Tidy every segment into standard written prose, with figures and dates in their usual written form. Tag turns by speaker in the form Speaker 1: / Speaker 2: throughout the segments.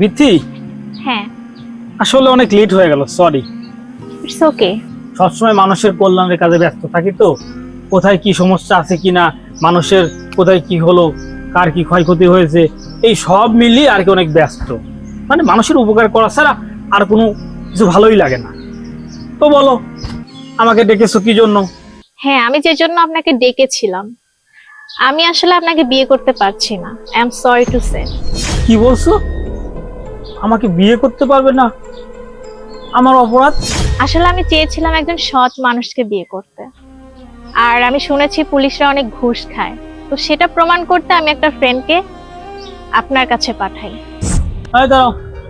Speaker 1: বিথি,
Speaker 2: হ্যাঁ,
Speaker 1: আসলে অনেক লেট হয়ে গেল, সরি।
Speaker 2: It's okay.
Speaker 1: সবসময় মানুষের কল্যাণের কাজে ব্যস্ত থাকি তো, কোথায় কি সমস্যা আছে কিনা, মানুষের কোথায় কি হলো, কার কি ক্ষয়ক্ষতি হয়েছে, এই সব মিলিয়ে আর কি অনেক ব্যস্ত। মানে মানুষের উপকার করা ছাড়া আর কোনো কিছু ভালোই লাগে না। তো বলো, আমাকে ডেকেছো কি জন্য?
Speaker 2: হ্যাঁ, আমি যে জন্য আপনাকে ডেকেছিলাম, আমি আসলে আপনাকে বিয়ে করতে পারছি না। I am sorry to say.
Speaker 1: কি বলছো? আমাকে বিয়ে করতে পারবে না? আমার অপরাধ?
Speaker 2: আসলে আমি চেয়েছিলাম একজন সৎ মানুষকে বিয়ে করতে, আর আমি শুনেছি পুলিশরা অনেক ঘুষ খায়, তো সেটা প্রমাণ করতে আমি একটা ফ্রেন্ডকে আপনার কাছে পাঠাই।
Speaker 1: এই দাঁড়াও,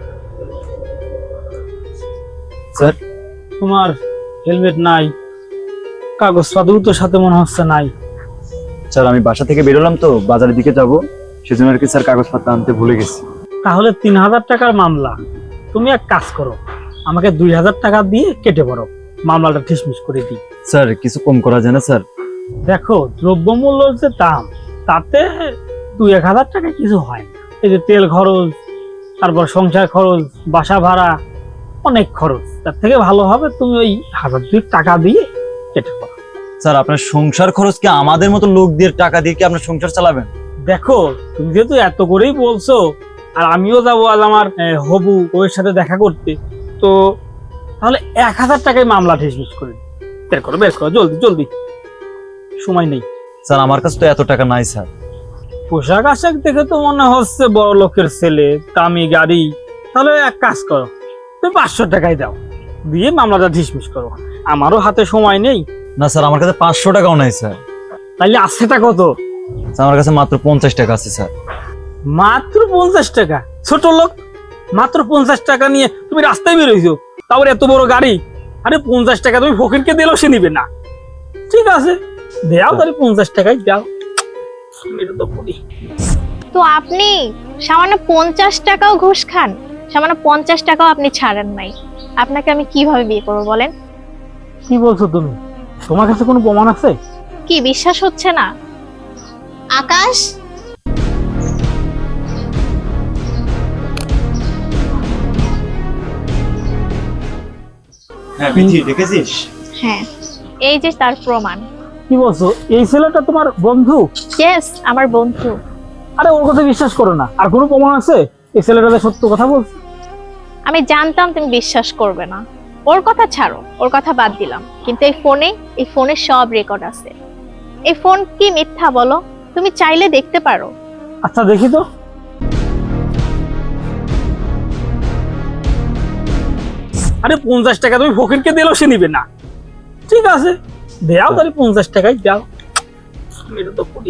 Speaker 3: স্যার।
Speaker 1: তোমার হেলমেট নাই, কাগজপত্র তো সাথে মনে হচ্ছে নাই।
Speaker 3: স্যার আমি বাসা থেকে বেরোলাম তো বাজারের দিকে যাব, সেজন্য আর কি স্যার কাগজপত্র আনতে ভুলে গেছি।
Speaker 1: তাহলে 3000 টাকার মামলা। তুমি এক কাজ করো, আমাকে 2000 টাকা দিয়ে কেটে পড়ো, মামলাটা ঠিসমিস করে দিই।
Speaker 3: স্যার কিছু কম করা যায় না স্যার?
Speaker 1: দেখো, দ্রব্যমূল্যর যে দাম, তাতে 2-1000 টাকা কিছু হয় না। এই যে তেল খরচ, তারপর সংসার খরচ, বাসা ভাড়া, অনেক খরচ। তার থেকে ভালো হবে তুমি ওই 1000 টাকা দিয়ে কেটে পড়ো।
Speaker 3: স্যার আপনার সংসার খরচ কি আমাদের মতো লোক দিয়ে টাকা দিয়ে কি আপনার সংসার চালাবেন?
Speaker 1: দেখো, তুমি যেহেতু এত করেই বলছো, আর আমিও যাবো আজ আমার হবু ওর সাথে দেখা করতে, তো তাহলে 1000 টাকায় মামলা ঠিসমিস করে দিই। বের করো, বের করো, জলদি জলদি, সময় নেই।
Speaker 3: স্যার আমার কাছে তো এত টাকা নাই স্যার।
Speaker 1: পোশাক আশাক দেখে তো মনে হচ্ছে বড় লোকের ছেলে, দামি গাড়ি। তাহলে এক কাজ করো, তুমি 500 টাকাই দাও, দিয়ে মামলাটা ঠিসমিস করো। আমারও হাতে সময় নেই।
Speaker 3: না স্যার আমার কাছে 500 টাকাও নাই স্যার।
Speaker 1: তাইলে আসছেটা কত?
Speaker 3: স্যার আমার কাছে মাত্র 50 টাকা আছে স্যার।
Speaker 1: মাত্র 50 টাকা? ছোট লোক, মাত্র 50 টাকা নিয়ে তুমি রাস্তায় বেরোইছো, তারপর এত বড় গাড়ি। আরে 50 টাকা তুমি ফকিরকে দিলেও সে নিবে না। ঠিক আছে, দেও তাহলে 50 টাকাই দাও। এটা তো বলি।
Speaker 2: তো আপনি সামান্য 50 টাকাও ঘুষ খান, সামান্য 50 টাকাও আপনি ছাড়েন নাই। আপনাকে আমি কিভাবে বিয়ে করবো বলেন?
Speaker 1: কি বলছো তুমি? তোমার কাছে কোনো প্রমাণ আছে?
Speaker 2: কি বিশ্বাস হচ্ছে না? আকাশ,
Speaker 3: হ্যাঁ বিথি দেখেছিস?
Speaker 2: হ্যাঁ, এই যে তার প্রমাণ।
Speaker 1: কি বলছো? এই ছেলেটা তোমার বন্ধু?
Speaker 2: ইয়েস, আমার বন্ধু।
Speaker 1: আরে ওর কথা বিশ্বাস করো না। আর কোনো প্রমাণ আছে এই ছেলেটা যে সত্য কথা বলছে?
Speaker 2: আমি জানতাম তুমি বিশ্বাস করবে না। ওর কথা ছাড়ো, ওর কথা বাদ দিলাম, কিন্তু এই ফোনে সব রেকর্ড আছে। এই ফোন কি মিথ্যা বলো? তুমি চাইলে দেখতে পারো।
Speaker 1: আচ্ছা দেখি তো। আরে 50 টাকা তুমি ফকিরকে দিলেও সে নিবে না। ঠিক আছে, দেও তাহলে 50 টাকাই দাও। এটা তো করি।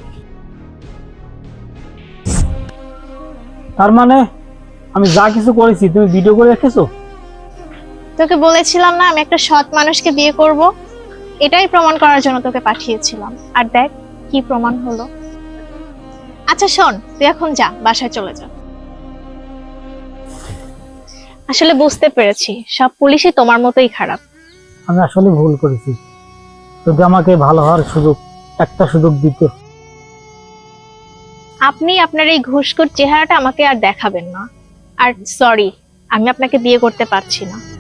Speaker 1: তার মানে আমি যা কিছু করেছি তুমি ভিডিও করে রেখেছো?
Speaker 2: তোকে বলেছিলাম না আমি একটা সৎ মানুষকে বিয়ে করব, এটাই প্রমাণ করার জন্য তোকে পাঠিয়েছিলাম। আর দেখ কি প্রমাণ হলো। আচ্ছা শোন, তুই এখন যা, বাসায় চলে যা। আসলে বুঝতে পেরেছি সব পুলিশই তোমার মতোই খারাপ।
Speaker 1: আমি আসলে ভুল করেছি। যদি আমাকে ভালো হওয়ার একটা সুযোগ দিত।
Speaker 2: আপনি আপনার এই ঘুষখোর চেহারাটা আমাকে আর দেখাবেন না। আর সরি, আমি আপনাকে বিয়ে করতে পারছি না।